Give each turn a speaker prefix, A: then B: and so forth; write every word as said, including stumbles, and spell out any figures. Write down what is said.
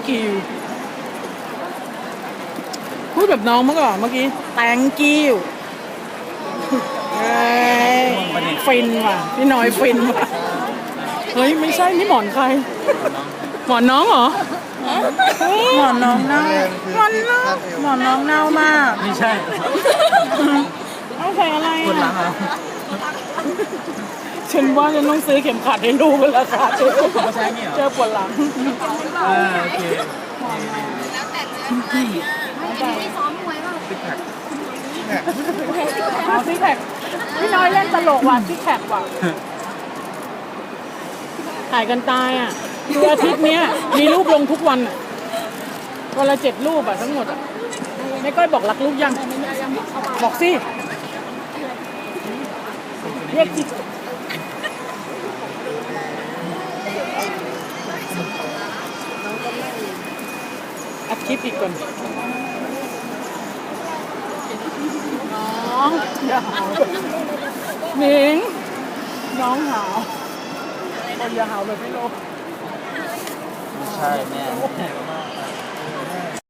A: you พูดแบบน้องเมื่อก่อนเมื่อกี้ thank you เฮ้ยฟินว่ะพี่น้อยฟินว่ะเฮ้ยไม่ใช่นี่หมอนใครหมอนน้องเหรอหมอนน้องเน่าหมอนน้องหมอนน้องเน่ามาก
B: ไม่ใช่
A: เอาใส่อะไร
B: คนหลังอ่ะ
A: ฉันว่าฉันต้องซื้อเข็มขัดให้ลูกกันแล้วค่ะเจอเจอปวดหลัง
B: อ่าโอเค
C: ไม่ซ้อมมวยป่ะ
A: เอาซิกแพคพี่น้อยเล่นตลกว่ะซิกแพคว่ะถ่ายกันตายอ่ะคืออาทิตย์เนี้ยมีรูปลงทุกวันอ่ะวันละเจ็ดรูปอ่ะทั้งหมดอ่ะไม่ก้อยบอกรักลูกยังบอกสิเรียกจิตอัดคลิปอีกก่อนน้องอย่าหาวหนิงน้องหาวคนอย่าหาวแบบไม่รู้
B: ไม่ใช่แม่